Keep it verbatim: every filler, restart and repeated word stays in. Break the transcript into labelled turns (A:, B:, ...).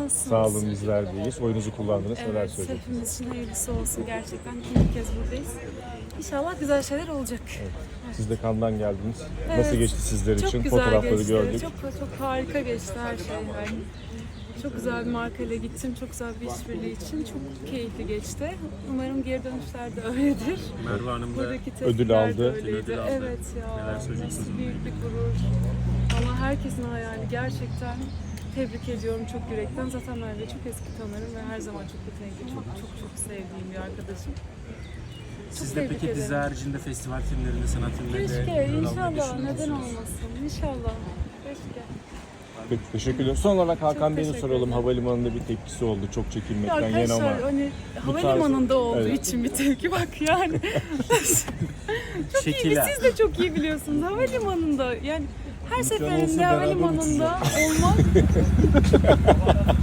A: nasılsınız?
B: Sağ olun, bizler deyiz. Oyunuzu kullandınız. Neler
A: Evet,
B: söyleyeceksiniz?
A: hepimiz için hayırlısı olsun gerçekten. İkinci kez buradayız. İnşallah güzel şeyler olacak.
B: Siz de Cannes'dan geldiniz.
A: Evet,
B: Nasıl geçti sizler
A: çok
B: için?
A: güzel
B: Fotoğrafları
A: geçti.
B: gördük.
A: Çok çok harika geçti her şey. Yani. Çok güzel bir markayla gittim. Çok güzel bir işbirliği için. Çok keyifli geçti. Umarım geri dönüşler de öyledir.
C: Merve Hanım da
A: Buradaki
B: ödül
A: tepkiler
B: aldı.
A: de öyleydi.
C: Ödül aldı.
A: Evet ya.
C: Neler söyleyeceksiniz?
A: Büyük bir gurur. Ama herkesin hayali gerçekten tebrik ediyorum çok yürekten. Zaten ben de çok eski tanırım ve her zaman çok yetenekli, çok çok çok sevdiğim bir arkadaşım. Çok
C: Siz de
A: tebrik
C: peki
A: ederim.
C: dizi haricinde festival filmlerinde, sanat filmlerinde
A: Keşke,
C: rol almayı
A: inşallah.
C: düşünüyor
A: Neden
C: musunuz?
A: olmasın? İnşallah. Keşke.
B: Peki, teşekkür ederim. Son olarak Hakan Bey'e
A: teşekkür
B: soralım.
A: ederim.
B: Havalimanında bir tepkisi oldu. Çok
A: Ya
B: çekinmekten yana
A: arkadaşlar
B: ama.
A: hani
B: Bu tarz-
A: havalimanında olduğu
B: Evet.
A: için bir tepki bak yani. çok iyi,
C: Şekila.
A: siz de çok iyi biliyorsunuz. Havalimanında yani her
B: Lütfen olsun,
A: seferinde
B: beraber
A: havalimanında olmak